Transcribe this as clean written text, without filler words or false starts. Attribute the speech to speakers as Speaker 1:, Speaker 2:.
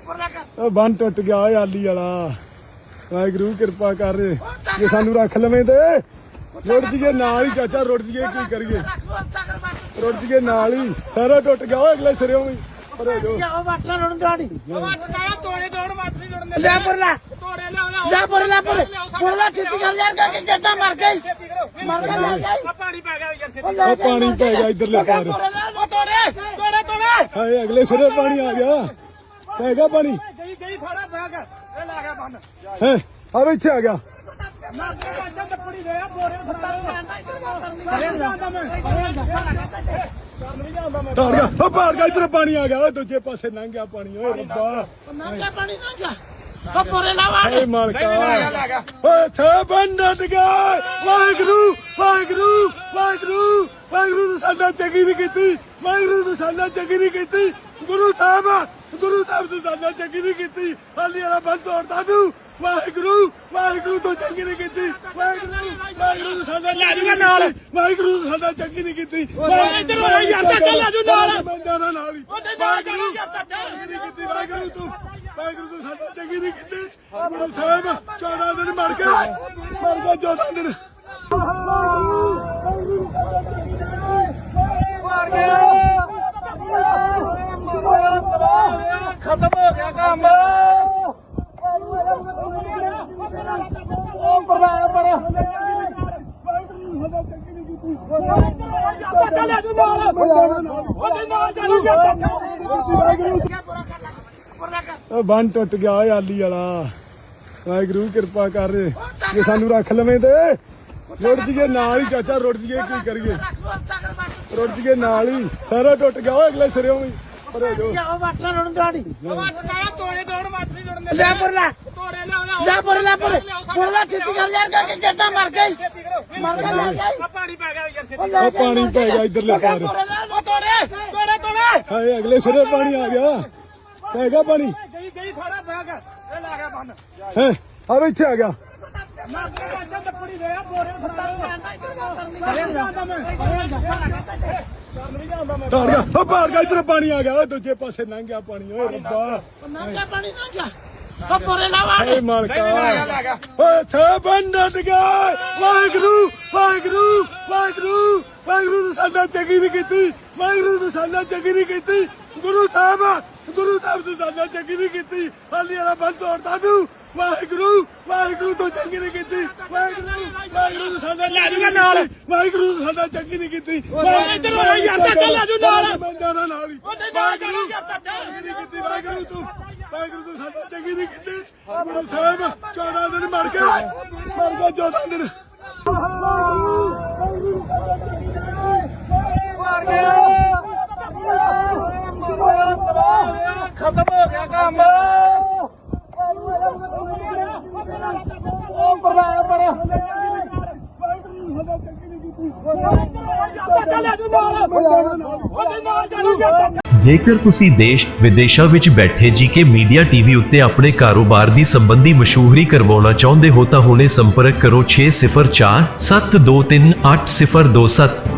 Speaker 1: ਬੰਨ ਟੁੱਟ ਗਿਆ ਓਏ ਆਲੀ ਵਾਲਾ। ਵਾਹਿਗੁਰੂ ਕਿਰਪਾ ਕਰ ਜੇ ਸਾਨੂੰ ਰੱਖ ਲਵੇਂ ਤੇ ਰੁੜ ਜੀਏ ਨਾਲ ਹੀ ਚਾਚਾ, ਰੁੜ ਜੀਏ ਕੀ ਕਰੀਏ, ਰੁੜ ਜੀਏ ਨਾਲ ਹੀ, ਸਾਰਾ ਟੁੱਟ ਗਿਆ ਓਏ ਅਗਲੇ ਸਿਰੇ ਵੀ। ਪਾਣੀ ਪੈ ਗਿਆ ਇਧਰਲੇ ਪਾਰ, ਹਾਏ ਅਗਲੇ ਸਿਰੇ ਪਾਣੀ ਆ ਗਿਆ, ਪੈ ਗਿਆ ਪਾਣੀ ਹੈ ਆ ਇੱਥੇ ਆ ਗਿਆ। ਭਾੜ ਗਿਆ ਇਧਰ ਪਾਣੀ ਆ ਗਿਆ, ਦੂਜੇ ਪਾਸੇ ਲੰਘ ਗਿਆ ਪਾਣੀ। ਓਏ ਰੱਬਾ ਮਾਲਕਾ ਬੰਦ ਗਿਆ। ਵਾਹਿਗੁਰੂ ਵਾਹਿਗੁਰੂ ਵਾਹਿਗੁਰੂ ਵਾਹਿਗੁਰੂ ਸਾਡਾ ਚੰਗੀ ਨਹੀਂ ਕੀਤੀ, ਵਾਹਿਗੁਰੂ ਨੇ ਸਾਡਾ ਚੰਗੀ ਨਹੀਂ ਕੀਤੀ। ਗੁਰੂ ਸਾਹਿਬ ਨੇ ਸਾਡਾ ਚੰਗੀ ਨਹੀਂ ਕੀਤੀ, ਹਾਲੀ ਵਾਲਾ ਬੰਦ ਤੋੜਦਾ ਤੂੰ। ਵਾਹਿਗੁਰੂ ਵਾਹਿਗੁਰੂ ਤੋਂ ਚੰਗੀ ਨਹੀਂ ਕੀਤੀ, ਵਾਹਿਗੁਰੂ ਵਾਹਿਗੁਰੂ ਨੇ ਸਾਡਾ ਵਾਹਿਗੁਰੂ ਨੇ ਸਾਡਾ ਚੰਗੀ ਨਹੀਂ ਕੀਤੀ। ਵਾਹਿਗੁਰੂ ਤੂੰ ਸਾਡਾ ਚੰਗੀ ਨਹੀਂ ਕੀਤੀ। ਗੁਰੂ ਸਾਹਿਬ 14 ਦਿਨ ਮਰ ਗਿਆ 14 ਦਿਨ ਖਤਮ ਹੋ ਗਿਆ ਕੰਮ। ਬੰਨ ਟੁੱਟ ਗਿਆ ਓਏ ਆਲੀ ਵਾਲਾ। ਵਾਹਿਗੁਰੂ ਕਿਰਪਾ ਕਰ ਜੇ ਸਾਨੂੰ ਰੱਖ ਲਵੇਂ ਤੇ ਰੁੜ ਜੀਏ ਨਾਲ ਹੀ ਚਾਚਾ, ਰੁੜ ਜੀਏ ਕੀ ਕਰੀਏ, ਰੁੜ ਜੀਏ ਨਾਲ ਹੀ, ਸਾਰਾ ਟੁੱਟ ਗਿਆ ਓਏ ਅਗਲੇ ਸਿਰੇ ਵੀ। ਪਾਣੀ ਪੈ ਗਿਆ ਇਧਰਲੇ ਪਾਰ, ਹਾਏ ਅਗਲੇ ਸਿਰੇ ਪਾਣੀ ਆ ਗਿਆ, ਪੈ ਗਿਆ ਪਾਣੀ ਹੈ ਆ ਇੱਥੇ ਆ ਗਿਆ। ਭਾੜ ਗਿਆ ਇਧਰ ਪਾਣੀ ਆ ਗਿਆ, ਦੂਜੇ ਪਾਸੇ ਲੰਘ ਗਿਆ ਪਾਣੀ। ਓਏ ਰੱਬਾ ਮਾਲਕਾ ਬੰਦ ਗਿਆ। ਵਾਹਿਗੁਰੂ ਵਾਹਿਗੁਰੂ ਵਾਹਿਗੁਰੂ ਵਾਹਿਗੁਰੂ ਨੇ ਸਾਡਾ ਚੰਗੀ ਨਹੀਂ ਕੀਤੀ, ਵਾਹਿਗੁਰੂ ਨੇ ਸਾਡਾ ਚੰਗੀ ਨਹੀਂ ਕੀਤੀ। ਗੁਰੂ ਸਾਹਿਬ ਨੇ ਸਾਡਾ ਚੰਗੀ ਨਹੀਂ ਕੀਤੀ, ਹਾਲੀ ਵਾਲਾ ਬੰਦ ਤੋੜਦਾ ਤੂੰ। ਵਾਹਿਗੁਰੂ ਵਾਹਿਗੁਰੂ ਤੋਂ ਚੰਗੀ ਨਹੀਂ ਕੀਤੀ, ਵਾਹਿਗੁਰੂ ਵਾਹਿਗੁਰੂ ਨੇ ਸਾਡਾ ਵਾਹਿਗੁਰੂ ਨੇ ਸਾਡਾ ਚੰਗੀ ਨਹੀਂ ਕੀਤੀ। ਵਾਹਿਗੁਰੂ ਤੂੰ ਸਾਡਾ ਚੰਗੀ ਨਹੀਂ ਕੀਤੀ। ਗੁਰੂ ਸਾਹਿਬ 14 ਦਿਨ ਮਰ ਗਿਆ 14 ਦਿਨ ਖਤਮ ਹੋ ਗਿਆ ਕੰਮ।
Speaker 2: ਜੇਕਰ ਤੁਸੀਂ ਦੇਸ਼ ਵਿਦੇਸ਼ਾਂ ਵਿੱਚ ਬੈਠੇ ਜੀਕੇ ਮੀਡੀਆ ਟੀਵੀ ਉੱਤੇ ਆਪਣੇ ਕਾਰੋਬਾਰ ਦੀ ਸੰਬੰਧੀ ਮਸ਼ਹੂਰੀ ਕਰਵਾਉਣਾ ਚਾਹੁੰਦੇ ਹੋ ਤਾਂ ਹੁਣੇ ਸੰਪਰਕ ਕਰੋ 6047238027।